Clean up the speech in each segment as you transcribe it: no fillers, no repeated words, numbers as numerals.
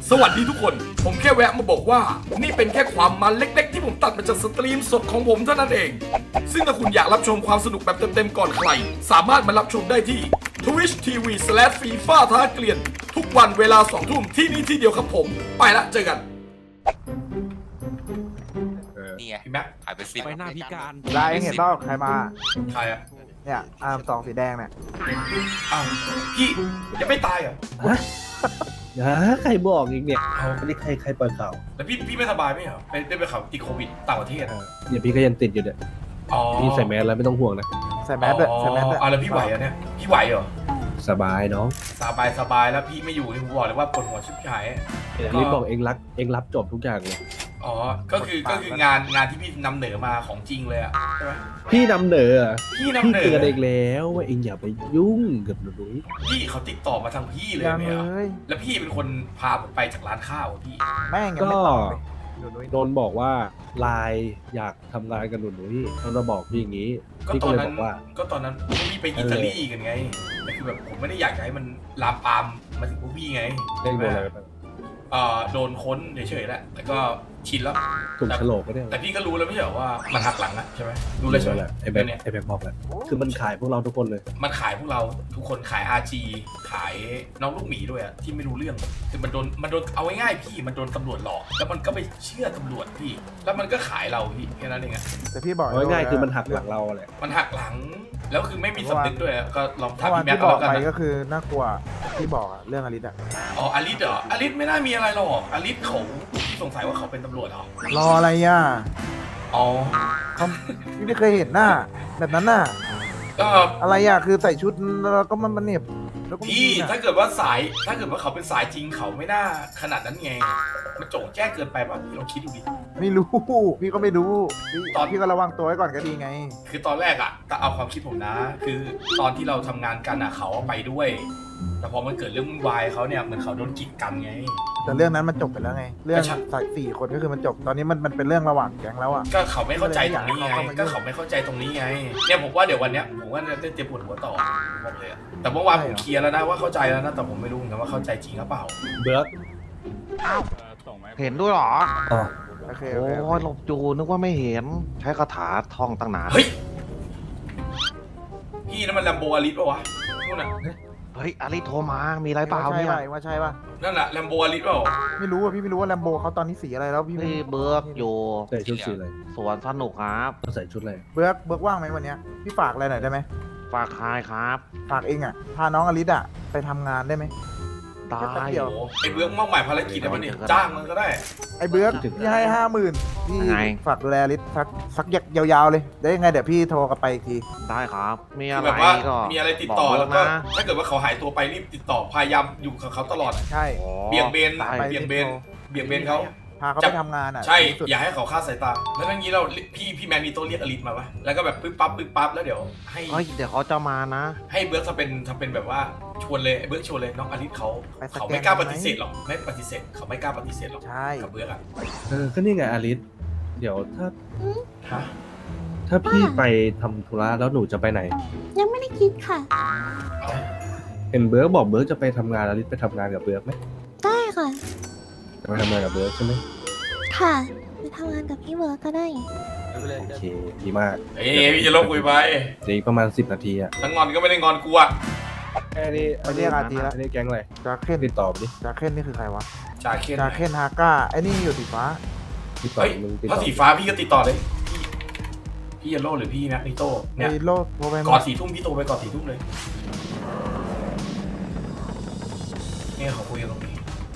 สวัสดีทุกคน ผมแค่แวะมาบอกว่า นี่เป็นแค่ความมันเล็กๆที่ผมตัดมาจากสตรีมสดของผมเท่านั้นเอง ซึ่งถ้าคุณอยากรับชมความสนุกแบบเต็มๆก่อนใคร สามารถมารับชมได้ที่ Twitch TV/FIFA ท้าเกลียน ทุกวันเวลา 2 ทุ่มที่นี่ที่เดียวครับผม ไปละเจอกันนี่ไงพี่แม็กหายไป10 ไปหน้าพิการลายเห็นเปล่าใครมาใครอะเนี่ยอาร์มสองสีแดงเนี่ยอ้าวพี่ยังไม่ตายเหรอใครบอกอีกเนี่ยอันนี้ใครเปิดข่าวแล้วพี่ไม่สบายไหมเหรอได้ไปข่าวติดโควิดต่างประเทศอะเดี๋ยวพี่ก็ยังติดอยู่เนี่ยอ๋อพี่ใส่แมสแล้วไม่ต้องห่วงนะใส่แมสด้วยใส่แมสด้วยอ๋อแล้วพี่ไหวอะเนี่ยพี่ไหวเหรอสบายน้องสบายแล้วพี่ไม่อยู่นี่ผมบอกเลยว่าปวดหัวชิบหายรีบบอกเองรับจบทุกอย่างเลยอ๋อก็คืองานที่พี่นำเหนือมาของจริงเลยอะใช่ไหมพี่นำเหนอพี่นำพี่เหนืเตือนอเองแล้วว่าเองอย่าไปยุ่งกับหนูนุ้ยพี่เขาติดต่อมาทางพี่เลยยังเนี่ยเลยแล้วพี่เป็นคนพาผมไปจากร้านข้าวอะพี่แม่งยังก็ไม่ตอบเลยดูนุ้ยโดนบอกว่าไลน์อยากทำงานกับหนูนุ้ยเขามาบอกพี่อย่างนี้ก็พี่ตก็อนเลยนั้บนอกว่าก็ตอนนั้นพวกพี่ไปอิตาลีกันไงแต่คือแบบผมไม่ได้อยากจะให้มันลามปามมาถึงพวกพี่ไงเล่นโดนอะไรไปบ้างโดนค้นเฉยๆแหละแต่ก็ชินแล้วถูกโฉลกก็ได้แต่พี่ก็รู้แล้วไม่ใช่เหรอว่ามันหักหลังอะใช่ไหมรู้แล้วใช่ไหมแหละไอ้แบเรื่งองเนี้ยไอ้แบงบอกแล้วคือมันขายพวกเราทุกคนเลยมันขายพวกเราทุกคนขาย RG ขายน้องลูกหมีด้วยอะที่ไม่รู้เรื่องคือมันโดนเอาง่ายๆพี่มันโดนตำรวจหลอกแล้วมันก็ไปเชื่อตำรวจพี่ แล้วมันก็ขายเราพี่แค่นั้นเองอะแต่พี่บอกเอาง่ายๆคือมันหักหลังเราแหละมันหักหลังแล้วคือไม่มีสำนึกด้วยอะก็ลองถามเมื่อวานพี่แม็กที่ก็บอกแล้วกันไปนะก็คือน่ากลัวที่บอกอะเรื่องอลิสอะอ๋ออลิสเหรออลิสไม่น่ามีอะไรหรอกอลิสเขาสงสัยว่าเขาเป็นตำรวจเหรอรออะไรอ่ะอ๋อเขาพี่ไม่เคยเห็นหน้าแบบนั้นน่ะก็อะไรอ่ะคือใส่ชุดแล้วก็มันเหน็บแล้วก็พี่ยิงอะถ้าเกิดว่าเขาเป็นสายจริงเขาไม่น่าขนาดนั้นไงมันโจ่งแจ้งเกินไปป่ะพี่ลองคิดดูดิไม่รู้พี่ก็ไม่รู้พี่ก็ระวังตัวไว้ก่อนก็ดีไงคือตอนแรกอะแต่เอาความคิดผมนะ คือตอนที่เราทำงานกันอะเขาไปด้วย แต่พอมันเกิดเรื่องวุ่นวายเขาเนี่ยเหมือนเขาโดนกีดกันไงแต่เรื่องนั้นมันจบไปแล้วไง เรื่องก็ใช่ใส่สี่คนก็คือมันจบตอนนี้มันเป็นเรื่องระหว่างแก๊งแล้วอ่ะก็เขาไม่เข้าใจตรงนี้ไงก็เลยอยากให้เขาเข้ามายุ่งก็เขาไม่เข้าใจตรงนี้ไงเนี่ยผมว่าเดี๋ยววันเนี้ยผมว่าจะเตรียมปวดหัวต่อบอกเลยอะแต่เมื่อวานผมเคลียร์แล้วนะว่าเข้าใจแล้วนะแต่ผมไม่รู้เหมือนกันว่าเข้าใจจริงหรือเปล่าเบิร์กเห็นด้วยเหรอโอเคโอ้โอเคยหลบจูนึกว่าไม่เห็น ใช้คาถาท่องตั้งนานเฮ้ยพี่นั่นมันแลมโบอาริสปะวะนู่นน่ะเฮ้ยอาริโทรมา มีอะไรเปล่าว่าใช่เนี่ยป่ะว่าใช่ป่ะนั่นแหละแลมโบอาริสเปล่าไม่รู้อ่ะพี่ไม่รู้ว่าแลมโบเขาตอนนี้สีอะไรแล้วพี่ไม่พี่เบิร์กอยู่ใส่ชุดสีอะไรสวนสนุกครับใส่ชุดอะไรเบิร์กว่างไหมวันเนี้ยพี่ฝากอะไรหน่อยได้ไหมฝากคายครับฝากเองอ่ะพาน้องอลิสอ่ะไปทำงานได้ไหมได้แป๊บเดียวโอ้ไอ้เบื้องมอบหมายภารกิจแล้วมันเนี่ยจ้างมันก็ได้ไอ้เบิร์กพี่ให้50,000พี่ไงฝากดูแลอลิสสักยาวๆเลยได้ยังไงเดี๋ยวพี่โทรกลับไปอีกทีได้ครับ มีคือะอไรแบบว่าก็มีอะไรติดต่อบอกแล้วเบิก็ร์นะถ้าเกิดว่าเขาหายตัวไปรีบติดต่อพยายามอยู่กับเขาตลอดใช่อ๋อเบี่ยงเบนได้เบี่ยงเบนเขาพาเขาไปทำงานอ่ะใช่ที่สุดอย่าให้เขาคลาดสายตา แล้วอย่างนี้เราพี่แมนนี่โตเรียกอลิสมาวะแล้วก็แบบปึ๊บปั๊บแล้วเดี๋ยวให้เฮ้ยเดี๋ยวเขาจะมานะให้เบิร์กทำเป็นแบบว่าชวนเลยเบิร์กชวนเลยน้องอลิสเขาไปสแกนเขาไม่กล้าปฏิเสธหรอกไม่ปฏิเสธเขาไม่กล้าปฏิเสธหรอกใช่กับเบิร์กอะก็นี่ไงอาริสเดี๋ยวถ้าฮะถ้าพี่ไปทำธุระแล้วหนูจะไปไหนยังไม่ได้คิดค่ะเห็นเบิร์กบอกเบิร์กจะไปทำงานอาริสไปทำงานกับเบิร์กไหมได้ค่ะจะไปทำงานกับเบิร์กใช่ไหมค่ะไปทำงานกับพี่เบิร์ดก็ได้โอเคดีมากเอ้ยพี่จะลงคุยไปเดี๋ยวอีกประมาณ10 นาทีอ่ะทั้งงอนก็ไม่ได้งอนกูอะแค่นี้ไปเรียกอาร์ตีแล้วอันนี้แก๊งอะไรจาเคนติดต่อไปดิจาเคนนี่คือใครวะจาเคนจาเคนฮาก้าไอ้นี่อยู่สีฟ้าติดต่อเฮ้ยมึงติดถ้าต่อสีฟ้าพี่ก็ติดต่อเลยพี่เยลโล่หรือพี่แม็กนิโต้เนี่ยไอ้โลดโทรไปก่อน4 ทุ่มพี่โทรไปก่อน4 ทุ่มเลยเนี่ยเขาคุยกันตรงนี้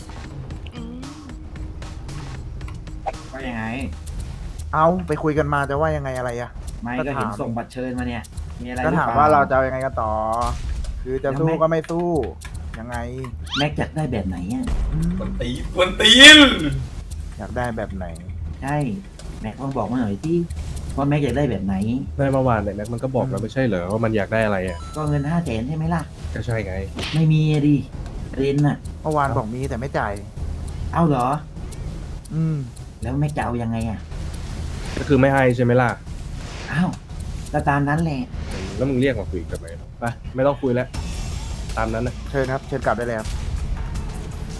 ว่ายังไงเอาไปคุยกันมาจะว่ายังไงอะไรอะไม่ก็ก็เห็นถามส่งบัตรเชิญมาเนี่ย มีอะไรก็ถามหอปล่ว่าเราจะเอายังไงกันต่อ คือจะสู้ก็ไม่สู้ยังไงแม็กอยากได้แบบไหนอ่ะกวนตีนอยากได้แบบไหนใช่ แม็กลองบอกมาหน่อยที่ว่าแม็กอยากได้แบบไหนได้เมื่อวานเนี่ยแม็กมันก็บอกแล้วไม่ใช่เหรอว่ามันอยากได้อะไรอ่ะก็เงิน500,000ใช่ไหมล่ะก็ใช่ไงไม่มีอะดิเรนน่ะเมื่อวานบอกมีแต่ไม่จ่ายเอาเหรออืมแล้วแม็กจะเอายังไงอ่ะก็คือไม่ให้ใช่ไหมล่ะอ้าวก็ตามนั้นแหละแล้วมึงเรียกมาคุยกันไหมไปไม่ต้องคุยแล้ว ตามนั้นนะเชิญครับ เชิญกลับได้เลยครับไป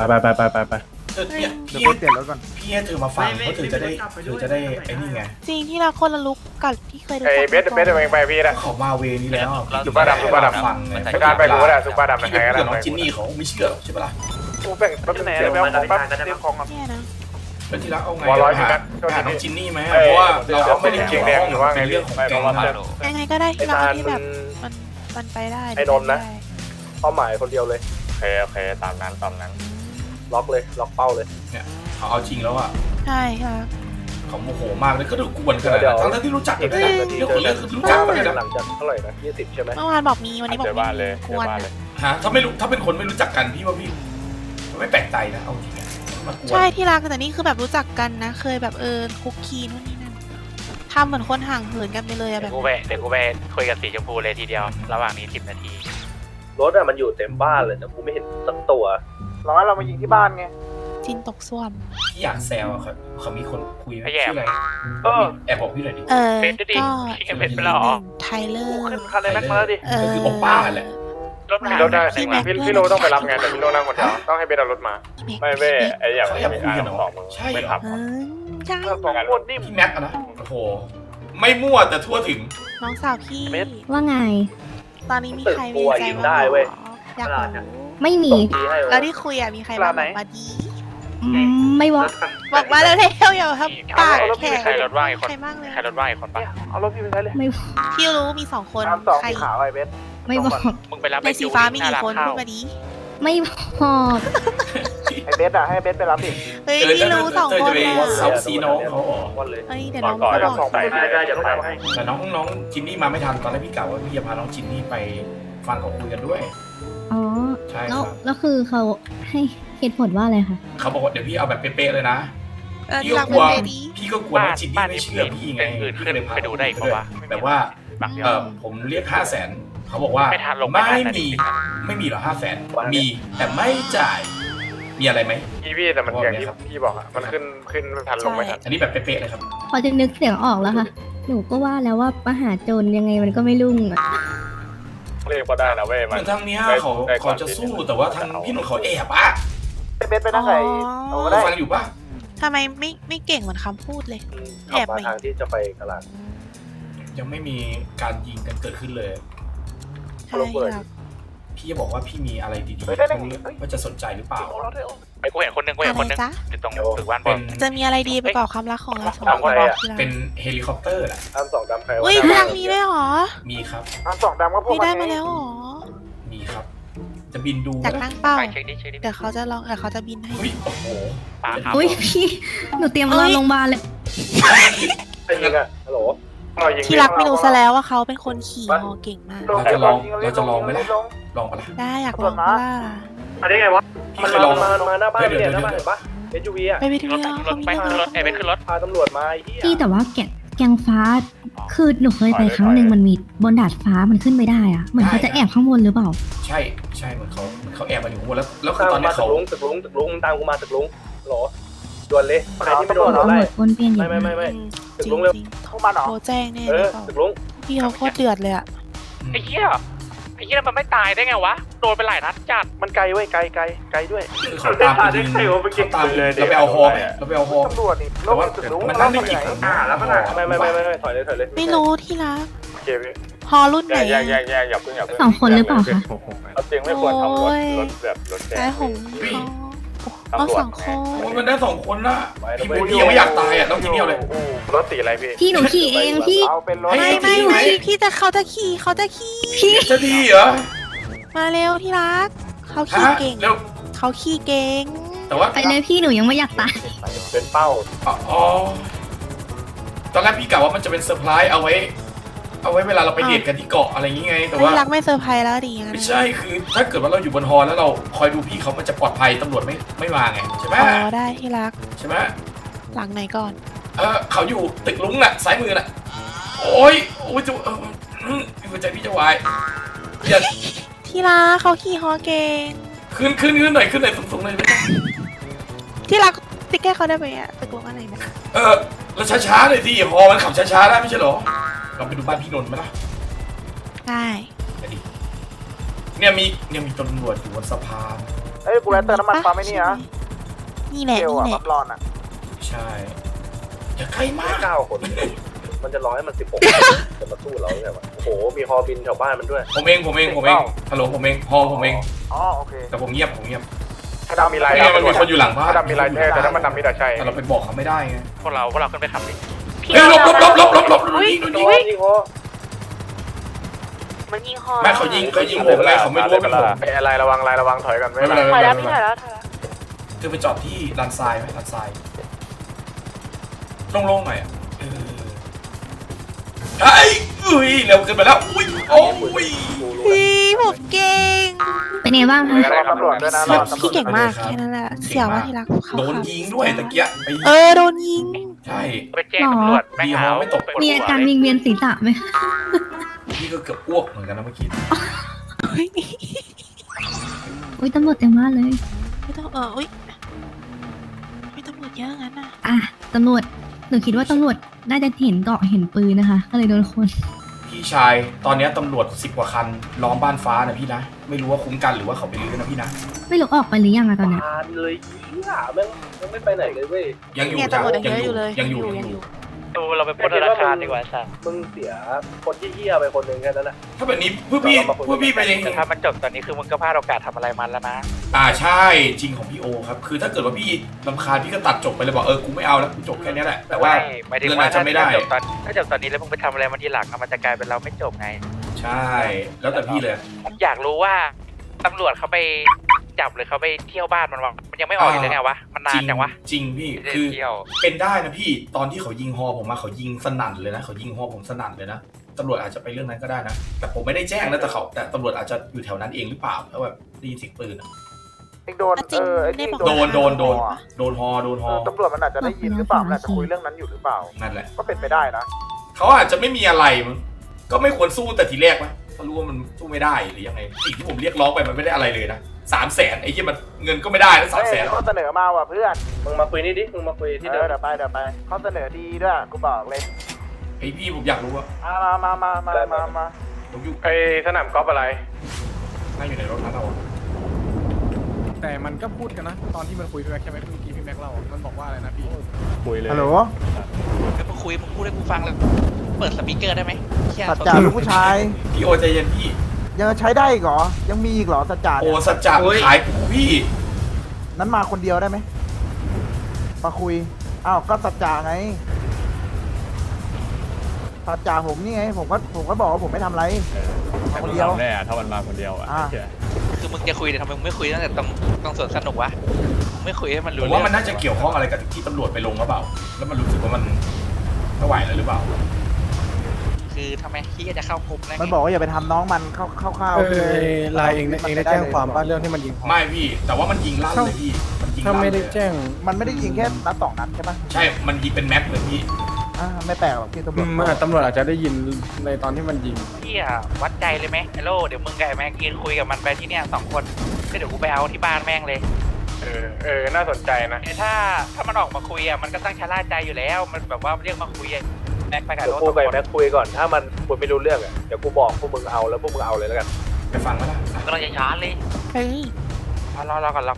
ไปเนี่ยเดี๋ยวพี่ไปเปลี่ยนรถก่อนพี่ให้เธอมาฟังเพราะเธอจะได้ไอ้นี่ไงจริงที่เราคนละลุกกับที่เคยดูไอ้เบสเองไปพี่นะเขามาเวนี้แล้วซุปเปอร์ดำซุปเปอร์ดำฟังการไปกูก็ได้ซุปเปอร์ดำพี่ใครไปก็พูดได้กับน้องจินนี่เขาไม่เชื่อหรอกใช่ปะล่ะกูแบ่งแป๊บนึงเดี๋ยวแป๊บซื้อของก่อนเนี่ยนะแล้วทีละเอาไงวอลร้อยหาพี่แม็กหาน้องจินนี่ไหมเพราะว่าเราไม่ได้เกี่ยวข้องกับเป็นเรื่องของแกงนะยังไงก็ได้ที่เราที่แบบมันไปได้ไอ้นนท์นะ เป้าหมายคนเดียวเลยโอเคตามนั้นล็อกเลยล็อกเป้าเลยเนี่ยเขาเอาจริงแล้วอ่ะใช่ค่ะเขาโมโหมากเลยก็ดูกวนขนาดนั้นทั้งที่รู้จักกันนะเรื่องของเรื่องคือรู้จักกันเลยนะหลังจากเท่าไหร่นะ20ใช่ไหมเมื่อวานบอกมีวันนี้บอกมีควรฮะถ้าไม่รู้ถ้าเป็นคนไม่รู้จักกันพี่ว่าพี่ไม่แปลกใจนะเอาจริงอะมากวนใช่ที่รักแต่นี่คือแบบรู้จักกันนะ เคยแบบคุกคีนู่นนี่นั่นทำเหมือนคนห่างเหินกันไปเลยอะแบบเดี๋ยวกูไปคุยกับสีชมพูเลยทีเดียว ระหว่างนี้10 นาทีรถอะมันอยู่เต็มบ้านเลยแต่กูไม่เห็นสักตัวร้อยเรามายิงที่บ้านไงจินตกส้วมพี่อยากแซวอะเขามีคนคุยไหมไอ้แย่ชื่ออะไรแอบบอกพี่หน่อยดิเป็นดูดิก็พี่กันเป็นไปแล้วเหรอไทเลอร์ขึ้นคันในแม็กมาแล้วดิก็คือโอป้าแหละรถมันรถได้พี่โลต้องไปรับงานแต่พี่โลนั่งคนเดียวต้องให้เบสเอารถมาพี่แม็กไอ้อย่างเขาอยากคุยกันเหรอใช่เหรอใช่สองคนนี่พี่แม็กอะนะโอ้โหไม่มั่วแต่ทั่วถึงน้องสาวพี่ว่าไงตอนนี้มีใครมีใจบ้างอยากรู้ไม่มีแล้วที่คุยอะมีใครบ้างบอกมาดีไม่ว่าบอกมาแล้วเร็วอย่าทำปากแข็งใครรถว่างอีกคนใครบ้างเลยใครรถว่างอีกคนปะเอารถพี่ไปใช้เลยไม่พี่รู้มี2 คนใครไอ้เบสไม่บอกมึงไปรับในสีฟ้ามีกี่คนพูดมาดีไม่บอกไอเบสอะให้เบสไปรับดิเฮ้ยพี่รู้2 คนเลยนะเซาซีน้องเขาอ๋อวันเลยเฮ้ยเดี๋ยวน้องก็บอกได้จะต้องให้แต่น้องจินนี่มาไม่ทันตอนแรกพี่กล่าวว่าพี่จะพาน้องจินนี่ไปฟังเขาคุยกันด้วยอ๋อใช่คแล้รัวบแล้วคือเขาให้เหตุผลว่าอะไรคะเขาบอกว่าเดี๋ยวพี่เอาแบบเป๊ะๆเลยนะ พี่หก็ลังกลัวเป็นเบดีพี่ก็กลัวน้องจินนี่ไม่เชื่อพี่ไงอื่นพี่ขึ้ก็นเลยพาไปดูได้อีกปะวะแบบว่าบักเดียวผมเรียก500,000เขาบอกว่าไม่ทันลงไม่ทันนะไม่มีหรอ500,000มีแต่ไม่จ่ายมีอะไรไหมพี่แต่มันอย่างที่พี่บอกอะมันขึ้นทันลงไม่ทันอันนี้แบบเป๊ะๆเลยครับพอจะนึกเสียงออกแล้วค่ะ หนูก็ว่าแล้วว่ามหาโจรยังไงมันก็ไม่รุ่งอะเรียกก็ได้นะเว้ยเหมือนทางเนี้ยเขาจะสู้แต่ว่าทางพี่หนุ่มเขาแอบอ่ะเบสไปนั่งไหนเอาก็ได้ฟังอยู่ปะทำไมไม่เก่งเหมือนคำพูดเลย แอบไหมทางที่จะไปกลาดยังไม่มีๆการยิงกันเกิดขึ้นเลยใช่ครับพี่จะบอกว่าพี่มีอะไรดีๆว่าจะสนใจหรือเปล่าไอ้กูเห็นคนหนึงอยู่ตรงตึกบ้านบเป็อลนจะมีอะไรดีไปกว่าความรักของเราสองถามคนใครอะทีหลังเป็นเฮลิคอปเตอร์แหละทำสองดำใครอุ้ยทางนี้ด้วยเหรอมีครับอันสองดำก็พวกไม่ได้มาแล้วเหรอมีครับ จะบินดูอยากนั่งเป้าไปเช็คดิเดี๋ยวเขาจะลองเขาจะบินให้เฮ้ยโอ้โหปาครับอุ้ยพี่ หนูเตรียมรอโรงพยาบาลเลยใครยิงอะฮัลโหลที่รักไม่รู้ซะแล้วว่าเขาเป็นคนขี่ฮอเก่งมากเราจะลองไหมล่ะลองปะล่ะได้อยากลองปะล่ะอันนี้ไงวะพี่เคยลองมาหน้าบ้านเนี่ยหน้าบ้านเห็นปะ SUV อะไปที่รถนี่รถไปขึ้นรถเป็นขึ้นรถพาตำรวจมาไอ้เหี้ยพี่แต่ว่าแกงฟ้า คือหนูเคยไปครั้งหนึ่งมันมีบนดาดฟ้ามันขึ้นไม่ได้อะเหมือนเขาจะแอบข้างบนหรือเปล่าใช่เหมือนเขาแอบมาอยู่ข้างบนแล้วคือตามตอนนี้มาตึเขากลุงตามกูมาตึกลุงหรอด่วนเลยใครที่ไม่โดนตำรเราไล่วจวนเปลี่ยนอย่างไม่จริงลุงเร็วจริงเข้ามาหรอโทรแจ้งแน่เอเลอยเปล่าตึกลุงพี่เขาโคตรเดือดเลยอะไอ้เหี้ยมันไม่ตายได้ไงวะ โดนไปหลายนัดจัดมันไกลเว้ยไกลด้วยคือเขาตามไปยิงเขาตามเลยเราไปเอาฮอไหมเราไปเอาฮอตำรวจนี่โลแต่กว่าตึกลุงมันเรานั่งไปได้ไหนกี่คนแล้วมันไม่ถอยเลยไม่รู้ที่รักโอเคพี่ฮอรุ่นไหนอะอย่าเพิ่งสองคนหรือเปล่าคะเอาจริงไม่ควรทำรถแบบรถแดแต่งผมเอา2 คนโอ้ยมันได้2 คนนะพี่ยังไม่อยากตายอ่ะต้องกินเนี่ยเลยรถสีอะไรพี่พี่หนูขี่เองพี่เอาเป็นรถไม่พี่จะเขาจะขี่พี่จะดีเหรอมาเร็วที่รักเขาขี่เก่งเร็วเขาขี่เก่งแต่ว่าไปเลยพี่หนูยังไม่อยากตายเป็นเป้าอ๋อตอนแรกพี่กะว่ามันจะเป็นเซอร์ไพรส์เอาไว้เวลาเราไปเดทกันที่เกาะอะไรอย่างงี้ไงแต่ว่าที่รักไม่เซอร์ไพรส์แล้วดีงั้นไม่ใช่คือถ้าเกิดว่าเราอยู่บนฮอแล้วเราคอยดูพี่เขามันจะปลอดภัยตำรวจไม่มาไงใช่ไหมอ๋อได้ที่รักใช่ไหมหลังไหนก่อนเขาอยู่ตึกลุงน่ะซ้ายมือน่ะโอ้ยจะหัวใจพี่จะวายอย่าที่รักเขาขี่ฮอเก่งขึ้นหน่อยสูงๆหน่อยไม่ต้องที่รักติ๊กแก้เขาได้ไหมอะตกลงอะไรนะเราช้าๆหน่อยสิฮอมันขับช้าๆได้ไม่ใช่เหรอเราไปดูบ้านพี่นนท์ไหมล่ะได้เนี่ยมีตำรวจอยู่บนสะพานเอ้ยกูแวะเติมน้ำมันปั๊มไอ้นี่นะนี่แหละเกลนี่อะแหละปั๊มร้อนอะใช่อย่าใกล้มาก 9 คน มันจะร้อยมัน 16 จะมาสู้เราใช่ไหมโอ้โห มีฮอบินแถวบ้านมันด้วยผมเองฮัลโหลผมเองพอผมเองอ๋อโอเคแต่ผมเงียบถ้าดำมีลายไม่งั้นมันมีคนอยู่หลังบ้านถ้าดำมีลายแต่ถ้ามันดำมีแต่ใช่แต่เราไปบอกเขาไม่ได้ไงพวกเราขึ้นไปขับดิเฮ้ยลบโดนยิงยิงโอมันยิงคอไม่เขายิงผมไงเขาไม่รู้ว่าเป็นผมไอ้อะไรระวังถอยกันไม่ไม่เป็เป็น นไรไรถอยแล้วพี่ถอยแล้วถอยแล้วคือไปจอดที่ลานทรายไหมลานทรายโล่งๆหน่อยอ่ะเฮ้ยเร็วเกินไปแล้วอุ้ยโอ้ยพี่ผมเก่งเป็นไงบ้างคะรอตำรวจด้วยนะรอตำรวจพี่เก่งมากแค่นั้นแหละเสี่ยวว่าที่รักเขาโดนยิงด้วยตะเกียบโดนยิงใช่ไปแจ้งตำรวจแม่งหาไม่ตกมีอาการวิงเวียนศีรษะไหมพี่ก็เกือบอ้วกเหมือนกันนะเมื่อกี้อุ้ยตำรวจเต็มบ้านเลยไม่ต้องอุ้ยไม่ตำรวจเยอะงั้นน่ะอ่ะตำรวจหนูคิดว่าตำรวจน่าจะเห็นเกาะเห็นปืนนะคะ ก็เลยโดนคนพี่ชายตอนนี้ตำรวจ10 กว่าคันล้อมบ้านฟ้านะพี่นะไม่รู้ว่าคุ้มกันหรือว่าเขาไปรื้อนะพี่นะไม่รู้ออกไปหรือยังอะตอนเนี้ยผ่านเลยเหี้ยแม่งไม่ไปไหนเลยเว้ยยังอยู่เนี่ยจ้ะตำรวจยังเยอะอยู่เลยยังอยู่ดูเราไปปล้นธนาคารดีกว่าใช่มึงเสียคนที่เหี้ยไปคนหนึ่งแค่นั้นแหละถ้าแบบนี้พวกพี่ไปเองแต่ถ้ามันจบตอนนี้คือมึงก็พลาดโอกาสทำอะไรมันแล้วนะใช่จริงของพี่โอครับคือถ้าเกิดว่าพี่รำคาญพี่ก็ตัดจบไปเลยบอกกูไม่เอาแล้วกูจบแค่นี้แหละแต่ว่าหมายถึงเงินว่าอาจจะไม่ได้ถ้าจบตอนนี้แล้วมึงไปทำอะไรมันทีหลังมันจะกลายเป็นเราไม่จบไงใช่ แล้วแต่พี่เลยอยากรู้ว่าตำรวจเขาไปจับหรือเขาไปเที่ยวบ้านมันวะมันยังไม่ออกอยู่เลยไงวะมันนานจังวะจริงพี่ไม่ได้คือเที่ยวเป็นได้นะพี่ตอนที่เขายิงฮอผมมาเขายิงสนั่นเลยนะเขายิงฮอผมสนั่นเลยนะตำรวจอาจจะไปเรื่องนั้นก็ได้นะแต่ผมไม่ได้แจ้งนะแต่ตำรวจอาจจะอยู่แถวนั้นเองหรือเปล่าแล้วแบบได้ยินเสียงปืนอะเองโดนจริงไอ้ได้นี่บอกโดนว่าโดนฮอตำรวจมันอาจจะได้ยินหรือเปล่ามันอาจจะคุยเรื่องนั้นอยู่หรือเปล่านั่นแหละก็เป็นไปได้นะเขาอาจจะไม่มีอะไรมั้งก็ไม่ควรสู้แต่ทีแรกมั้ยเขารู้ว่ามันสู้ไม่ได้หรือยังไงสิ่งที่ผมเรียกร้องไปมันไม่ได้อะไรเลยนะ300,000ไอ้ที่มันเงินก็ไม่ได้นะเฮ้ย 300,000 ข้อเสนอมาว่ะเพื่อนมึงมาคุยนี่ดิมึงมาคุยที่เดิมเดี๋ยวไปข้อเสนอดีด้วยกูบอกเลยไอ้พี่ผมอยากรู้ว่ามาผมอยู่ไอ้สนามกอล์ฟอะไรนั่งอยู่ในรถนั้นเราอะแต่มันก็พูดกันนะ ตอนที่มันคุยพี่แม็กใช่ไหมเมื่อกี้พี่แม็กเล่ามันบอกว่าอะไรนะพี่คุยเลยฮัลโหลคือมึงคุยมึงพูดให้กูฟังเลยเปิดสปีกเกอร์ได้ไหมสัจจาลูกผู้ชายพี่โอใจเย็นพี่ยังใช้ได้อีกเหรอยังมีอีกเหรอสัจจาโอเนี่ยสัจจะขายกูพี่นั้นมาคนเดียวได้ไหมมาคุยอ้าวก็สัจจาไงสัจจาผมนี่ไงผมก็บอกว่าผมไม่ทำอะไรมาคนเดียวแน่ถ้ามันมาคนเดียวอ่ะคือมึงจะคุยแต่ทำไมมึงไม่คุยตั้งแต่ตรงสวนสนุกวะไม่คุยให้มันผรู้มเรื่ว่ามันน่าจะเกี่ยวข้องอะไรกับที่ตำรวจไปลงหรือเปล่า แล้วมันรู้สึกว่ามันไม่ไหวแล้วหรือเปล่าคือทำไมที่จะเข้ากลุ่มแล้วมันบอกว่าอย่าไปทำน้องมันเข้าวๆคือลายเองได้แจ้งความบ้านเรื่องที่มันยิงไม่พี่ แต่ว่ามันยิงลั่นเลยพี่มันยิงถ้าลั่นไม่เลได้ยแจ้งมันไม่ได้ยิงแค่นัด2 นัดใช่ปะใช่มันยิงเป็นแม็กเลยพี่ไม่แปลกหรอกที่ตำรวจตำรวจอาจจะได้ยินในตอนที่มันยิงพี่อะวัดใจเลยไหมไอโลเดี๋ยวมึงกับไอ้แม็กยืนคุยกับมันไปที่เนี่ย2 คนก็เดี๋ยวกูไปเอาที่บ้านแม่งเลยน่าสนใจนะแต่ถ้ามันออกมาคุยอะมันก็ต้องชะล่าใจอยู่แล้วมันแบบว่าเรียกมาคุยอะแม็กไปกับเดี๋ยโลวกู 2 กับคนแม็กคุยก่อน ถ้ามันคุยไม่รู้เรื่องอ่ะ เดี๋ยวกูบอกพวกมึงเอาแล้วพวกมึงเอาเลยแล้วกันไปฟังก็ได้ก็เราจะช้าเลยเฮ้ยรอก่อน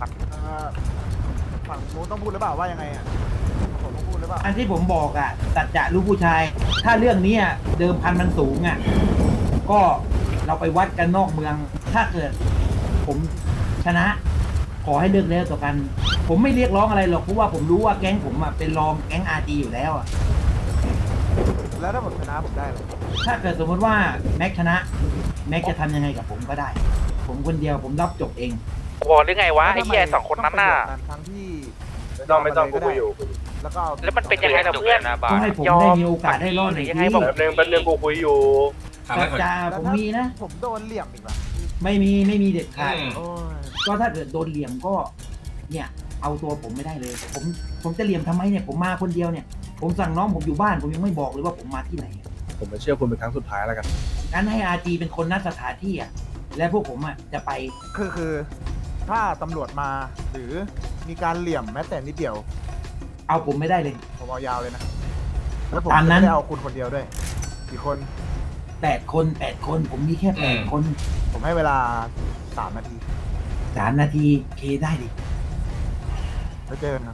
ฝั่งนู้นต้องพูดหรือเปล่าว่ายังไงอ่ะผมต้องพูดหรือเปล่าอันที่ผมบอกอ่ะสัจจะลูกผู้ชาย ถ้าเรื่องเนี้ยเดิมพันมันสูงอ่ะ ก็เราไปวัดกันนอกเมือง ถ้าเกิดผมชนะ ขอให้เลิกแล้วต่อกัน ผมไม่เรียกร้องอะไรหรอกเพราะว่าผมรู้ว่าแก๊งผมอ่ะเป็นรองแก๊งRGอยู่แล้วอ่ะแล้วถ้าผมชนะผมได้เลยถ้าเกิดสมมติว่าแม็กชนะ แม็กจะทำยังไงกับผมก็ได้ ผมคนเดียวผมรับจบเองบอกหรือไงวะไอ้เหี้ย2 คนนั้นน่ะทั้งที่ไม่ต้องกูคุยอยู่แล้วก็แล้วมันเป็นยังไงล่ะเพื่อนก็ให้ผมได้มีโอกาสได้รอดหน่อยยังไงทีบอกแป๊บนึงกูคุยอยู่ถามสัให้จก่อนจะผมมีนะผมโดนเหลี่ยมอีกว่ะไม่มีเด็ดขาดโอ้ยก็ถ้าเกิดโดนเหลี่ยมก็ เนี่ย เอาตัวผมไม่ได้เลย ผมจะเหลี่ยมทำไมเนี่ย ผมมาคนเดียวเนี่ย ผมสั่งน้องผมอยู่บ้านผมยังไม่บอกเลยว่าผมมาที่ไหนผมจะเชื่อคุณเป็นครั้งสุดท้ายแล้วกันงั้นให้RGเป็นคนนัดสถานที่อ่ะ และพวกผมอ่ะจะไปคือถ้าตำรวจมาหรือมีการเหลี่ยมแม้แต่นิดเดียวเอาผมไม่ได้เลยผมเอายาวเลยนะแล้วผมตามจะนั้นไม่ได้เอาคุณคนเดียวด้วยกี่คน 8 คน ผมมีแค่8 คนผมให้เวลา3 นาที 3 นาทีเคได้ดิไปเจอกันครับ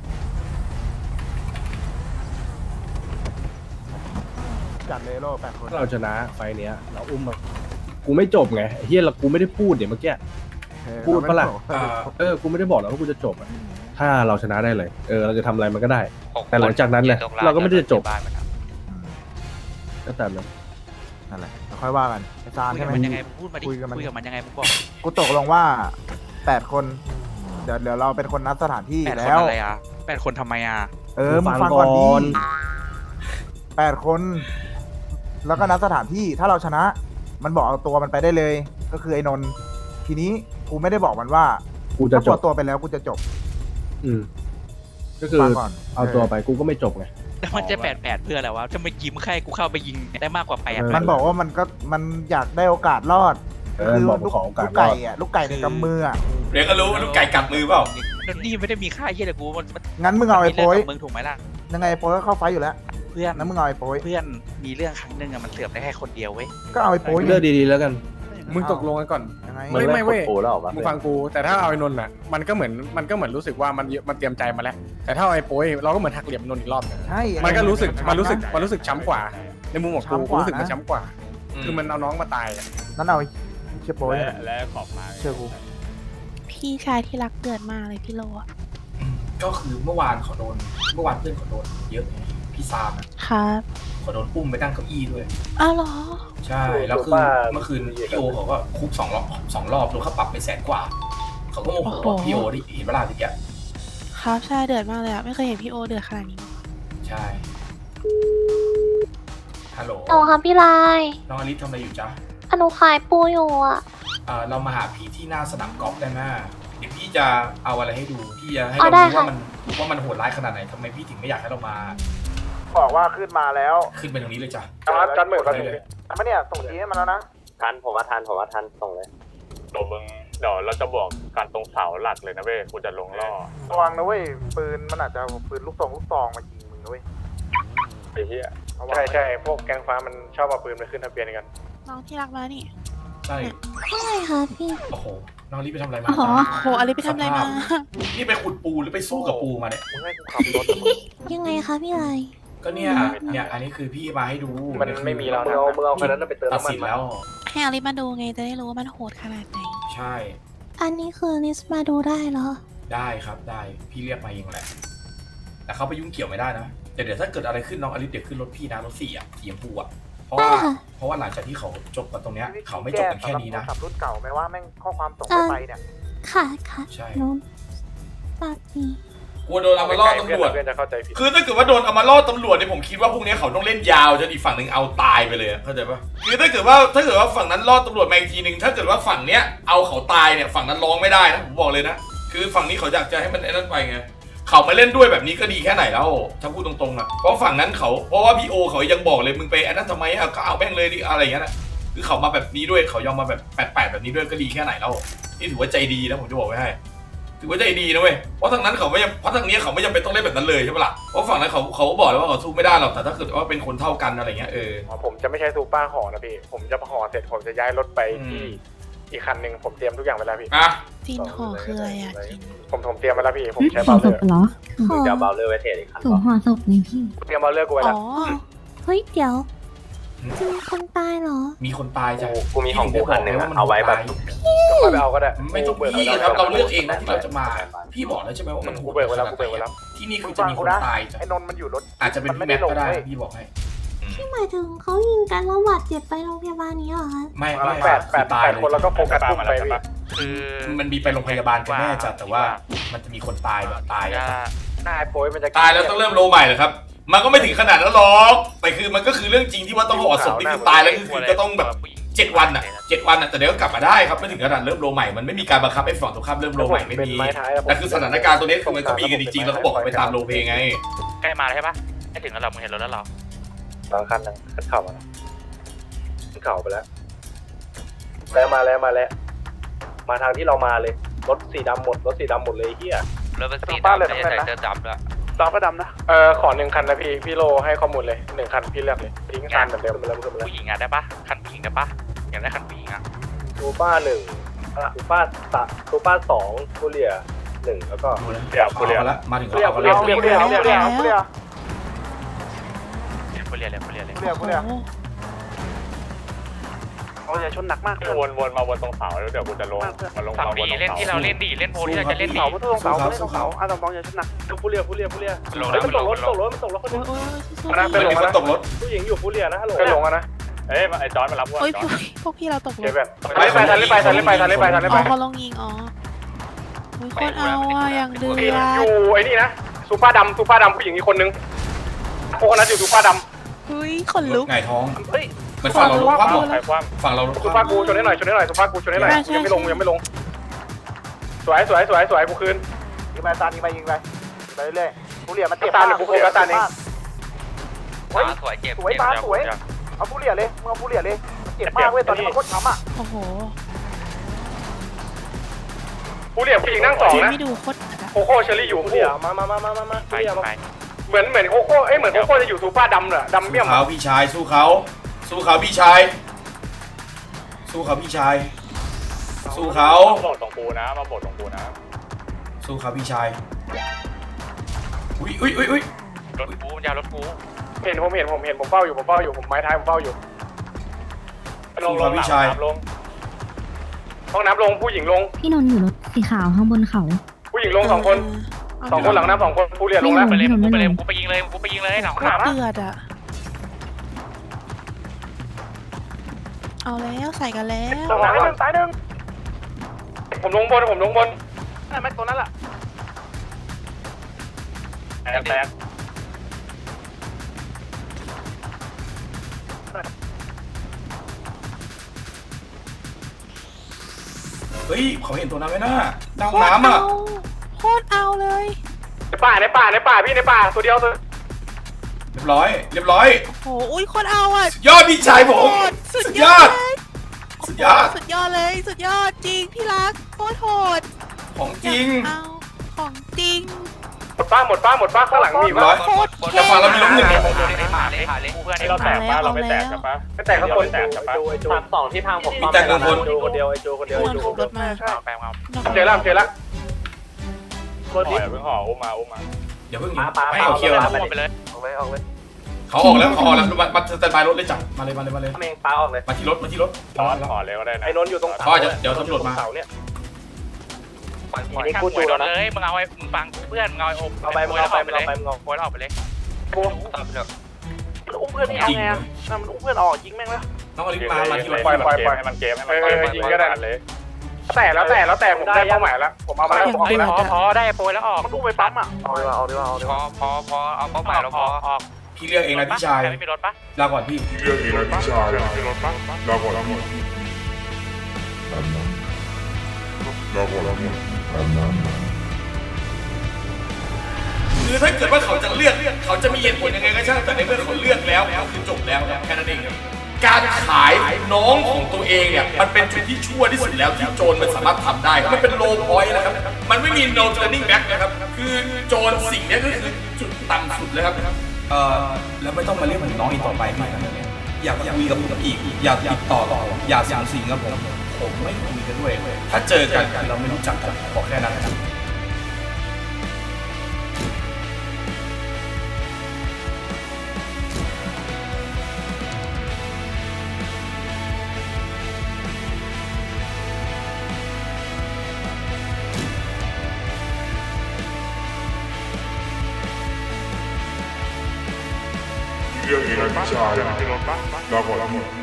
จัดเลยโล่8 คนถ้าเราชนะไฟล์เนี้ยเราอุ้มมากูไม่จบไงไอ้เฮียเรากูไม่ได้พูดเดี๋ยวเมื่อกี้ พูดปะล่ะ กูไม่ได้บอกแล้วว่ากูจะจบอะถ้าเราชนะได้เลยเราจะทำอะไรมันก็ได้ แต่หลังจากนั้นเนี่ยเราก็ไม่ได้จบก็ตามนั้นนั่นแหละแล้วค่อยว่ากันไอ้ซานคุยใช่กับไหมมันยังไงพูดมาดิคุยกับมันคุยกับมันยังไงมึงบอกกูตกลงว่า8 คน เดี๋ยวเราเป็นคนนัดสถานที่ 8 คนแล้วอะไรอ่ะ8 คนทำไมอ่ะมึงฟังก่อนดี8 คน แล้วก็นัดสถานที่ถ้าเราชนะ มันบอกเอาตัวมันไปได้เลย ก็คือไอ้นนท์ทีนี้กูไม่ได้บอกมันว่ากูจะถ้าจพบอตัวไปแล้วกูจะจบก็คือฟังก่อนเอาตัวไปกูก็ไม่จบไงแล้วมันจะ8 เพื่ออะไรวะจะมายิ้มแค่กูเข้าไปยิงได้มากกว่า8 มันบอกว่ามันอยากได้โอกาสรอดมันบอกลูกขอโอกาสลูกไก่อะลูกไก่ในกำมืออะเดี๋ยวก็รู้ว่าลูกไก่กัดมือเปล่าแล้วนี่ไม่ได้มีค่าเยี่ยเลยกูมันงั้นมึงเอาไอ้โป้ยมึงถูกไหมล่ะยังไงไอ้โป้ยก็เข้าไฟอยู่แล้วเพื่อนนั้นมึงเอาไอ้โป้ยเพื่อนมีเรื่องครั้งหนึ่งอะมันเสือกได้แค่คนเดียวเว้ยก็เอาไอ้โป้ยเลือกดีๆแล้วกันมึงตกลงกันก่อนยังไงไม่เว้ยมึงฟังกูแต่ถ้าเอาไอ้นนท์อ่ะมันก็เหมือนรู้สึกว่ามันเตรียมใจมาแล้วแต่ถ้าเอาไอ้โป้ยเราก็เหมือนหักเหลี่ยมนนท์อีกรอบนึงใช่มันก็รู้สึกช้ำกว่าในมุมของกูรู้สึกมันช้ำกว่า คือมันเอาน้องมาตายอะนั่นเอาไอ้เชี่ยโป้ยและขอบมาเชื่อกูพี่ชายที่รักเดือดมากเลยพี่โลอะก็คือเมื่อวานเพื่อนเขาโดนเยอะไงพี่ซามอะครับเขาโดนอุ้มไปตั้งเก้าอี้ด้วยอ้าวเหรอใช่แล้วคือเมื่อคืนพี่โอเขาก็คุก2 รอบโดนค่าปรับไป100,000 กว่าเขาก็โมโหว่าพี่โอที่เห็นเวลาทีเนี้ยครับใช่เดือดมากเลยอะไม่เคยเห็นพี่โอเดือดขนาดนี้มาก่อนใช่ฮัลโหลโอ้ค่ะพี่ลายน้องอลิซทำอะไรอยู่จ๊ะอนุขายปูอยู่อ่ะเรามาหาพี่ที่หน้าสนามกอล์ฟได้ไหมเดี๋ยวพี่จะเอาอะไรให้ดูพี่จะให้เอาเราได้ดูค่ะว่ามันโหดร้ายขนาดไหนทำไมพี่ถึงไม่อยากให้เรามาบอกว่าขึ้นมาแล้วขึ้นไปตรงนี้เลยจ้ะจันเหมือนกันเลยมาเนี่ยส่งทีให้มันแล้วนะทันผมว่าทันส่งเลยเดี๋ยวเราจะบอกการตรงเสาหลักเลยนะเว้ยกูจะลงล่อระวังนะเว้ยปืนมันอาจจะเอาปืนลูกซองมายิงมึงนะเว้ยไอ้เหี้ยใช่พวกแก๊งฟ้ามันชอบเอาปืนไปขึ้นทะเบียนกันน้องที่รักมานี่ใช่อะไรคะพี่โอ้โหน้องอลิซไปทำอะไรมาอ๋อจ๊ะโหอะไรไปทำอะไรมานี่ไปขุดปูหรือไปสู้กับปูมาเนี่ยมึงให้กูขับรถยังไงคะพี่ลายก็เนี่ยอันนี้คือพี่มาให้ดูมันไม่มีแล้วนะมึงเอาคันนั้นไปเติมตัดน้ำมันสินแล้วให้อลิมาดูไงจะได้รู้ว่ามันโหดขนาดไหนใช่อันนี้คือลิสต์มาดูได้เหรอได้ครับได้พี่เรียกมาเองแหละแต่เขาไปยุ่งเกี่ยวไม่ได้นะเดี๋ยวถ้าเกิดอะไรขึ้นน้องอลิซเดี๋ยวขึ้นรถพี่นะรถ4อะสีชมพูอะเพราะว่าหลังจากที่เขาจบกันตรงเนี้ยเขาไม่จบกันแค่นี้นะขับรุ่นเก่าไหมว่าแม่งข้อความส่งไปเนี่ยค่ะใช่น้องปากนี้กลัวโดนเอามาล่อตำรวจเพื่อนจะเข้าใจผิดคือถ้าเกิดว่าโดนเอามาล่อตำรวจเนี่ยผมคิดว่าพวกนี้เขาต้องเล่นยาวจนอีกฝั่งหนึ่งเอาตายไปเลยเข้าใจปะคือถ้าเกิดว่าฝั่งนั้นล่อตำรวจมาอีกทีหนึ่งถ้าเกิดว่าฝั่งเนี้ยเอาเขาตายเนี่ยฝั่งนั้นร้องไม่ได้นะผมบอกเลยนะคือฝั่งนี้เขาอยากจะให้มันไอ้นั่นไปไงเขามาเล่นด้วยแบบนี้ก็ดีแค่ไหนแล้วถ้าพูดตรงๆอ่ะเพราะฝั่งนั้นเพราะว่าพี่โอเขายังบอกเลยมึงไปไอ้นั่นทำไมอ่ะก็เอาแม่งเลยดิอะไรอย่างเงี้ยนะคือเขามาแบบนี้ด้วยเขายอมมาแบบแปดแบบนี้ด้วยก็ดีแค่ไหนแล้วนี่ถือว่าใจดีนะผมจะบอกไว้ให้ถือว่าใจดีนะเว้ยเพราะทางนั้นเขาไม่เพราะทางนี้เขาไม่จำเป็นต้องเล่นแบบนั้นเลยใช่ปะล่ะเพราะฝั่งนั้นเขาบอกแล้วว่าเขาสู้ไม่ได้หรอกแต่ถ้าเกิดว่าเป็นคนเท่ากันอะไรเงี้ยผมจะไม่ใช้ซูเปอร์ห่อนะพี่ผมจะห่อเสร็จผมจะย้ายรถไปที่อีกคันหนึ่งผมเตรียมทุกอย่างไว้แล้วพี่อ่ะจินห่อคืออะไรอะจินผมเตรียมไว้แล้วพี่ผมใช้ห่อเบาเลศอพร์เหรอผมจะเบาเลอร์ไว้เทรดอีกคันส่งห่อศพนี่พี่เตรียมเบาเลอร์กูไว้อ๋แล้อวเฮ้ยเดี๋ยวจะมีคนตายเหรอมีคนตายจ้ะกูมีของกูคันหนึ่งเอาไว้แบบค่อยไปเอาก็ได้ไม่ต้องพี่ครับเราเลือกเองนะที่เราจะมาพี่บอกแล้วใช่ไหมว่ามันโหกูดเบิกไว้แล้วกูเบิกไว้แล้วที่นี่มึคืงอจะฟังมีคกูนนะตายจ้ะไอ้นนท์มันอยู่รถอาจจะเป็นมันพี่ไม่ ได้ลงแม็กก็ได้เว้ยพี่บอกให้ที่หมายถึงเขายิงกันแล้วบาดเจ็บไปโรงพยาบาลนี้เหรอคะไม่แปดคนแล้วก็โฟกัสกลุ่มไปพี่คือมันมีไปโรงพยาบาลกันแน่จ้ะแต่ว่ามันจะมีคนตายแบบตายจะหน้าไอ้โป้ยมันจะตายแล้วต้องเริ่มโลใหม่เหรอครับมันก็ไม่ถึงขนาดนั้นหรอกแต่คือมันก็คือเรื่องจริงที่ว่าต้องห่อศพนี่คือตายแล้วก็คือก็ต้องแบบ7 วันอ่ะ7 วันอ่ะแต่เดี๋ยวก็กลับมาได้ครับไม่ถึงขนาดเริ่มโลใหม่มันไม่มีการบังคับให้ฝั่งตรงข้ามเริ่มโลใหม่ไม่มีแต่คือสถานการณ์ตัวนี้คือมันก็มีกันจริงๆแล้วเขาบอกไปตามโลเพไงใกล้มาแล้วใช่ปะให้ถึงแล้วเรามึงเห็นรถแล้วเหรอบางคันนึงขึ้นเข่ามาขึ้นเข่าไปแล้วมาทางที่เรามาเลยรถสีดำหมดเลยเฮียรถเป็นสีดำไม่ใช่ใส่เสื้อดำด้วยดำก็ดำนะขอ1 คันนะพี่โลให้ข้อมูลเลย1 คันพี่เลือกเลยทิ้งคันเหมือนเดิมไปแล้วผู้หญิงอ่ะได้ปะคันผู้หญิงได้ปะอยากได้คันผู้หญิงอ่ะซูเปอร์ซูเปอร์2คูเรีย1แล้วก็เดี๋ยวกูเรียกแล้วมาถึงเขาคูเรียเอาคูเรียคูเรียคูเรียแล้วกูเรียผู้เรียนเลยผู้เรียนเลยกูเรียกูเรียโอ้โหเขาจะชนหนักมากวนมาวนตรงเสาแล้วเดี๋ยวกูจะลงมาลงฝั่งมาบดีนตรงเล่นเสาที่เราเล่นดีเล่นโพที่เราจะเล่นดีสู้เขาสู้เขาอาตอมบองอย่าชนหนักคูเรียลงแล้วมันลตงกรถลตงกรถมันตกรถคนนึงโอ้ยสู้นะเป็นคนตกรถผู้หญิงอยู่คูเรียนะฮัลโหลไปลงนะเอ้ยไอ้จอนมารับโอ้ยพวกพี่เราตกรเก็บถแบบไปทันเลยไปทันเลยไปทันเลยไปทันเลยอ๋ไปอเขาลงยิงอ๋อโอ้ยโคตรเอาอ่ะอย่างเดือดอยู่ไอ้นี่นะซูเปอร์ดำผู้หญิงอีกคนนึงพวกนั้นอยู่ซูเปอร์ดเฮ้ยขนลุกไงท้องำเฮ้ยมันฝั่งเราคว่ำใครคว่ฝั่งเราซูเปอร์กูชนให้หน่อยซูเปอร์กูชนให้หน่อยยังไม่ลงสวยกูคืนยิงไปตานยิงไปไปเรื่อยกูเรียมันเจ็บตาลกูโฟกัสตาลเองสวยเจ็บสวยตาสวยเอากูเรียเลยมึงเอากูเรียเลยเจ็บมากเว้ยตอนนี้มันโคตรช้ำอ่ะโอ้โหผู้เรียผู้หญิงนั่ง2นะไม่ดูโคตรหนักอะโคโค่เชอรี่อยู่ผู้เรียมาไปไปเหมือนโคโค่เหมือนโคโค่จะอยู่ซูเปอร์ดำเหรอดำเมี่ยมเขาพี่ชายสู้เขาพี่ชายสู้เขาพี่ชายสู้เขามาโบดตรงกูนะมาโบดตรงกูนะสู้เขาพี่ชายอุ้ยรถกูยาวรถกูเห็นผมเฝ้าอยู่ผมไม้ท้ายผมเฝ้าอยู่ลงลงลงห้องน้ำลงผู้หญิงลงพี่นนท์อยู่รถสีขาวข้างบนเขาผู้หญิงลง2 คนหลังน้ำ2 คนผู้เรียนลงแล้วไปเลยกูไปเลยกูไปยิงเลยกูไปยิงเลยหนักโคหนาตรเดือดอ่ะเอาแล้วใส่กันแล้วตายหนึ่งผมลงบนนั่นแม็กตัวนั้นแหละแตกเฮ้ยเขาเห็นตัวนั้นไหมน่ะดาวน้ำอ่ะโคตรเอาเลยในป่าพี่ในป่าตัวเดียวเรียบร้อยโอ้โหอุ้ยโคตรเอาอ่ะยอดพี่ชายผมโหดสุดสุดยยออดดเลยสุดยอดสุดยอดเลยสุดยอดจริงพี่รักโคตรโหดของจริงเอาของจริงหมดป้าข้างหลังมีร้อยโคตรแต่ฝั่งเรามีล้มหนึ่งเลยผ่านเลยกูเพื่อนนี่เราแตกปะเราไม่แตกกันปะไม่แต่ข้างบนแตกกันปะทาง2ที่ทางผมมีแต่คนคนเดียวไอโจคนเดียวโดนขับรถมาแปลงเอาเจอแล้วห่อเพิ่งห่ออุ้มมาอย่าเพิ่งให้เขาเคลียร์ไปเลยเขาออกแล้วมาสแตนบายรถเลยจับมาเลยเมงป้าออกเลยมาที่รถจอนห่อเลยก็ได้นะไอ้นนอยู่ตรงเขาจะเดี๋ยวตำรวจมาเสาเนี่ยนี่กูจูแล้วนะเลยมึงเอาไอ้มึงฟังเพื่อนมึงเอาไอ้โอไปแล้วออกไปเลยโวยแล้วออกไปเลยกูอุ้มเพื่อนนี่เอาไงอ่ะมันอุ้มเพื่อนออกยิงแม่งแล้วน้องอลิมาที่รถปล่อยให้มันเกมเลยแต่ผมได้เป้าหมายแล้วผมเอามาแล้วผมเฮ้ยพอได้โปรยแล้วออกมันอุ้มไปปั๊มอ่ะเอาดีกว่าพอเอาเป้าหมายเราพอออกพี่เรียกเองนะพี่ชายไม่มีรถปะลาก่อนพี่เรื่องนี้นะพี่ชายรถปะเราก่อนคือถ้าเกิดว่าเขาจะเลือกเขาจะมีเหตุผลยังไงก็ช่างแต่ในเมื่อเขาเลือกแล้วก็คือจบแล้วแค่นั้นเองการขายน้องของตัวเองเนี่ยมันเป็นจุดที่ชั่วที่สุดแล้วที่โจรมันสามารถทำได้มันเป็นโลพอยต์นะครับมันไม่มี no turning back นะครับคือโจรสิ่งนี้ก็คือจุดต่ำสุดเลยครับแล้วไม่ต้องมาเรียกผมน้องอีกต่อไปไม่ครับอยากคุยกับผมอีกอยากติดต่ออย่าสังสิงกับผมไม่คุยกันด้วยถ้าเจอกันเราไม่รู้จักกันบอกแค่นั้นนะครับเรื่องนี้นะพี่ชายรถปะเราก่อน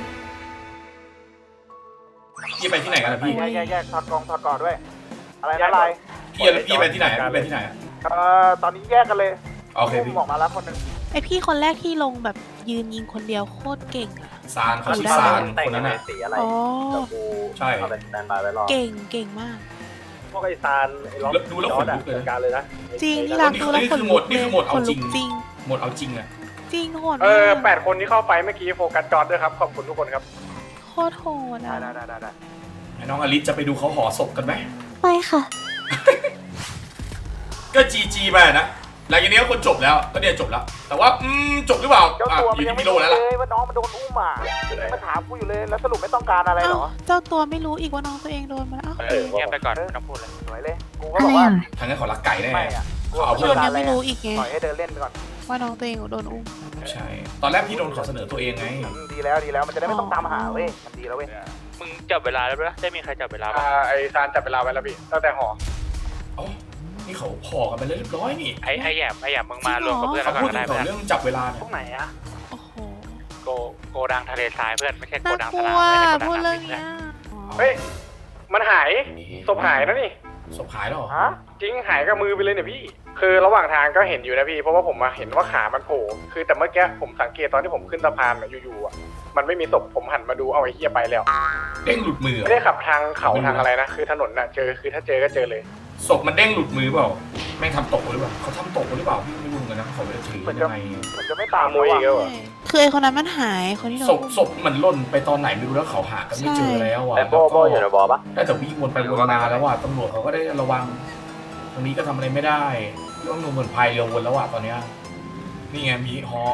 พี่ไปที่ไหนกันล่ะพี่แยกถอดกอดด้วย อะไรนะลายพี่ไปที่ไหนพี่ไปที่ไหนตอนนี้แยกกันเลยโอเคพี่ออกมาแล้วคนนึงไอพี่คนแรกที่ลงแบบยืนยิงคนเดียวโคตรเก่งอ่ะซานเขาชื่อซานคนนั้นน่ะอ๋อใช่เก่งมากพวกไอ้ซานไอ้ล็อกดูแล้วขนลุกเลยการเลยนะจริงที่รักดูแล้วขนลุกนี่คือหมดเอาขนจลุริกงจริงหมดเอาจริงอะจริงโหด 8 คนที่เข้าไปเมื่อกี้โฟกัสจอดด้วยครับขอบคุณทุกคนครับโคตรโหดอ่ะได้ให้น้องอลิสจะไปดูเขาห่อศพกันไหมไปค่ะก็จีไปนะหลังจากนี้ก็คนจบแล้วก็เนี่ยจบแล้ว แต่ว่าจบหรือเปล่าอยู่ที่พี่โลแล้วล่ะว่าน้องมันโดนอุ้มอ่ะมันถามกูอยู่เลยแล้วสรุปไม่ต้องการอะไรหรอเจ้าตัวไม่รู้อีกว่าน้องตัวเองโดนมาแล้วเงียบไปก่อนไม่ต้องพูดเลยสวยเลยกูก็อะบอไรกว่าอ่ะทางนั้นขอรักไก่แน่ไม่อ่ะเขาเอาโดเพิ่มนยังไม่รู้อีกไงปล่อยให้เดินเล่นไปก่อนว่าน้องตัวเองโดนอุ้มใช่ ตอนแรกพี่โดนขอเสนอตัวเองไงดีแล้วมันจะได้ไม่ต้องตามหาเว้ยมันดีแล้วเว้ยมึงจับเวลาแล้วปะได้มีใครจับเวลาปะไอซานจับเวลาไว้แล้วพี่ตั้งแต่หออ๋อ นี่เขาพอกันไปเรียบร้อยนี่ไอ้แยมมึงมารวมกับเพื่อนเขาแล้วพูก่ดอนถึก็งได้เรื่เพื่อนองจับเวลาเนี่ยตรงไหนอะโอ้โหโกดังทะเลทรายเพื่อนไม่ใช่โกน่าดังกสลันาว มไม่ใช่โกพูดดังเรื่องน้ำเนี้ยเฮ้ยมันหายศพหายนะนี่ศพหายแล้วเหรอฮะจริงหายกับมือไปเลยเนี่ยพี่ คือระหว่างทางก็เห็นอยู่นะพี่เพราะว่าผมมาเห็นว่าขามันโผล่คือแต่เมื่อกี้ผมสังเกตตอนที่ผมขึ้นสะพานอยู่ๆอ่ะมันไม่มีศพผมหันมาดูเอาไอ้เหี้ยไปแล้วเด้งหลุดมือเหรอไม่ได้ขับทางเขาทางอะไรนะคือถนนน่ะเจอคือถ้าเจอก็เจอเลยศพมันเด้งหลุดมือเปล่า แม่งทำตกหรือเปล่าเขาทำตกหรือเปล่าพี่ไม่รู้เหมือนกันนะเขาไม่ได้ถือยังไงมันจะไม่ตามขโมยอีกแล้วเหรอคือไอคนนั้นมันหายคนที่โดนศพอุ้มศพมันหล่นไปตอนไหนไม่รู้แล้วเขาหากันไม่เจอแล้วอ่ะไอ้โบอยู่ในบอปะได้แต่วิ่งวนไปวนมาแล้วอ่ะตำรวจเขาก็ได้ระวัง ตรงนี้ก็ทำอะไรไม่ได้ต้องลงเหมือนพายเรือวนแล้วอ่ะตอนเนี้ยนี่ไงมีฮอ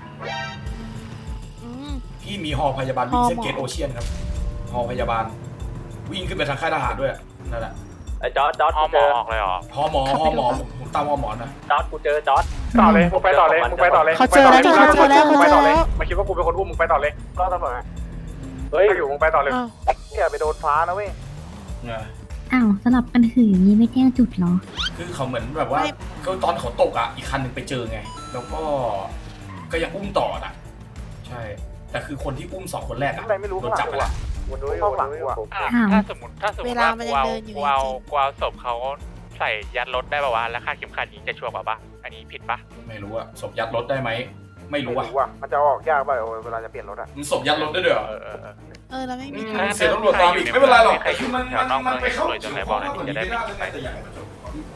อืมที่มีฮอพยาบาลวิ่งเส้นฮอหมอเกตโอเชียนครับฮอพยาบาล วิ่งขึ้นไปทางค่ายทหารด้วยนั่นแหละไอ้จอร์ดฮอกูหมเจออออกเลยเหรอฮอหมอผมตามฮอหมอนะจอร์ดกูเจอจอร์ดต่อเลยมึงไปต่อเลยมึงไปต่อเลยเขาเจอแล้วมึงเจอแล้วมึงไปต่อเลยเจอแล้วมาคิดว่ากูเป็นคนอุ้มมึงไปต่อเลยก็ตำรวจเฮ้ยอยู่มึงไปต่อเลยอ้าวอย่าไปโดนฟ้านะเว้ยเนี่ยอ้าวสลับกันถืออย่างนี้ไม่แจ้งจุดเหรอคือเขาเหมือนแบบว่าก็ตอนเขาตกอ่ะอีกคันหนึ่งไปเจอไง แล้วก็ยังอุ้มต่ออ่ะใช่ แต่คือคนที่อุ้มสองคนแรกอ่ะอะไรไม่รู้โดนจับไปละวันนู้นห้องหลังกูอ่ะถ้าสมมติเวลาว่ามันกูยังเอาเดินอยู่กูเอาศพเขาใส่ยัดรถได้ป่าวะแล้วค่าดเข็มขัดยิงจะชัวร์กว่าปะอันนี้ผิดปะไม่รู้อ่ะศพยัดรถได้ไหมไม่รู้อ่ะมันจะออกยากป่ะเวลาจะเปลี่ยนรถอ่ะมันศพยัดรถได้ด้วยเหรอแล้วไม่มีเสียตำรวจตามอีกไม่เป็นไรหรอกใครอยู่มันแถวนอกเมืองไปเข้าเลยจนไหนบอกหน่อยดิจะได้ไม่คิดไปแต่อยากให้มันจบ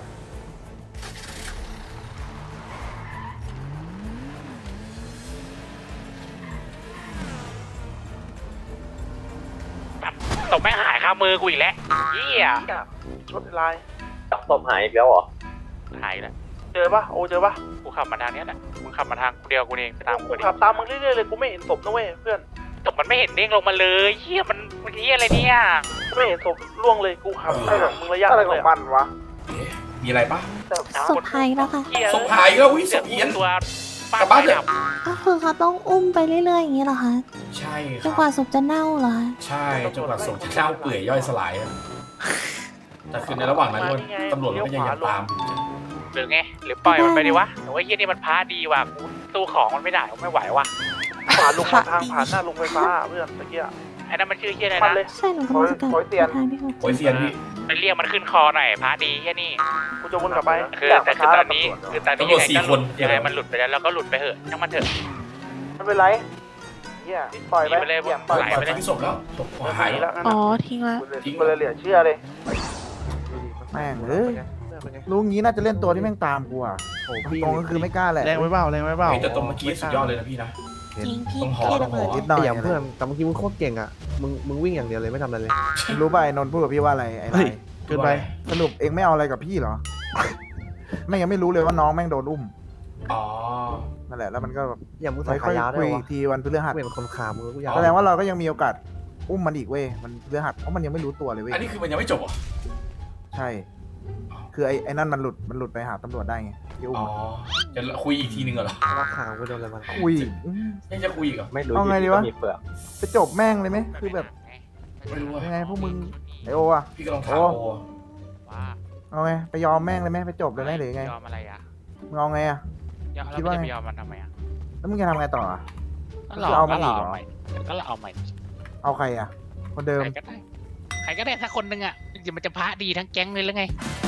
ตบแม่งหายคามือกูอีกแล้วเหี้ยรถลายจับศพหายอีกแล้วเหรอหายแล้วเจอปะโอเจอปะกูขับมาทางเนี้ยแหละมึงขับมาทางกูเดียวกูเองไปตามกูกูดิขับตามมึงเรื่อยๆเลยกูไม่เห็นศพนะเว้ยเพื่อนตบมันไม่เห็นเด้งลงมาเลยเหี้ยมันเหี้ยอะไรเนี่ยไม่เห็นศพล่วงเลยกูขับได้ของมึงระยะอะไรนึงขเลอย งอะมันวะเอ๊ะมีอะไรปะศพหายแล้วค่ะเหี้ยศพหายอีกแล้วอุ้ยศพเพี้ยนตัวป้ากลับบ้านเถไปอะดับก็คือเขาต้องอุ้มไปเรื่อยๆอย่างนี้เหรอคะใช่คจรันบกว่าศพจะเน่าเหรอใช่จนกว่าศพจะเน่าเปื่อยย่อยสลายอะแต่คือในระหว่างนั้นตำรวจก็ยังตามอยู่หรือไงหรือปล่อยมันไปดีวะแต่ว่าเหี้ยนี่มันพาดีว่ะกูสู้ของมันไม่ได้กูไม่ไหวว่ะขวาลงมาทางผ่านหน้าลงไฟฟ้าเพื่อนตะเกียไอ้นั่นมันชื่อเหี้ยอะไรมันนะเลยใช่หนูกำลังจะกลับโอ้ยเตียนทางที่เขาโอ้ยเซียนพี่ไปเรียกมันขึ้นคอหน่อยพาดีเหี้ยนี่กูจะวนกลับไปคือแต่คือตอนนี้ยังไงมันหลุดไปแล้วเราก็หลุดไปเถอะช่างมันเถอะไม่เป็นไรเฮียปล่อยไปไปเลยเหี้ยปล่อยไหลปล่ไปอยเลยทิ้งศพแล้วศพหายแล้แล้ว วอ๋อทิ้งแล้วทิ้งมันเลยเหลือเชื่อเลยแม่งเอ้ยรู้งี้น่าจะเล่นตัวที่แม่งตามกูอ่ะตรงก็คือไม่กล้าแหละแรงไว้เปล่าแรงไว้เปล่าแต่ตรงเมื่อกี้สุดยอดเลยนะพี่นะจริงพี่ต้องหอเท่ต้ระองหเบิอดนิดหน่อยอย่างเพื่อนแต่เมื่อกี้มึงโคตรเก่งอ่ะมึงวิ่งอย่างเดียวเลยไม่ทำอะไรเลยรู้ป่ะไอ้นนท์พูดกับพี่ว่าอะไรไอ้ไรเกินไปสรุปเองไม่เอาอะไรกับพี่เหรอแม่งยังไม่รู้เลยว่าน้องแม่งโดนอุ้มอ๋อนั่นแหละแล้วมันก็แบบอย่างมึงใส่ไม่ค่ขาอยยาวคุได้ยวะอีกทีวันพฤหัสกูเป็นคนขามึงกูอยากแสดงว่าเราก็ยังมีโอกาสอุ้มมันอีกเว้ยมันพฤหัสเพราะมันยังไม่รู้ตัวเลยเว้ยอันนี้คือมันยังไม่จบเหรอใช่ คือไอ้นั่นมันหลุดไปหาตำรวจได้ไงที่อุ้มอ๋อ จะคุยอีกทีนึงเหรอว่าขากูโดนอะไรมาคุยยังจะคุยอีกเหรอไม่รู้เอาไงดีวะมีเปลือกไปจบแม่งเลยไหมคือแบบไม่รู้อะยังไงพวกมึงไอโออะพี่ก็ลองถามโอว่าเอาไงไปยอมแม่งเลยไหมไปจบเลยไหมหรือไงยอมอะไรอ่ะมึงเอาไงอะยอมคิแล้วดมันว่าไงจะไปยอมมันทำไมอ่ะแล้วมึงจะทำไงต่ออะก็เราจะเอามัก็นเราอีกเหรอเอาใหม่ก็เราเอาใหม่เอาใครอะคนเดิมใครก็ได้ใครก็ได้สักคนหนึ่งอ่ะมันจะพระดีทั้งแก๊งเลยหรือไง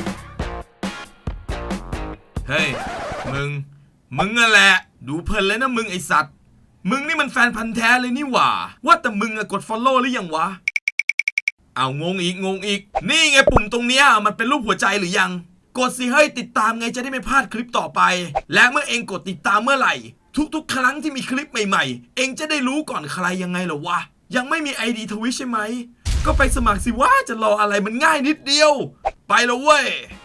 เฮ้ย มึงนั่นแหละ ดูเพลินเลยนะมึงไอสัตว์ มึงนี่มันแฟนพันธ์แท้เลยนี่หว่า ว่าแต่มึงอะกด follow หรือยังวะ เอางงอีก นี่ไงปุ่มตรงเนี้ยมันเป็นรูปหัวใจหรือยัง กดสิเฮ้ยติดตามไงจะได้ไม่พลาดคลิปต่อไป และเมื่อเองกดติดตามเมื่อไหร่ ทุกๆ ครั้งที่มีคลิปใหม่ๆ เองจะได้รู้ก่อนใครยังไงเหรอวะ ยังไม่มี ID ทวิชใช่ไหม ก็ไปสมัครสิว่าจะรออะไรมันง่ายนิดเดียว ไปแล้วเว้ย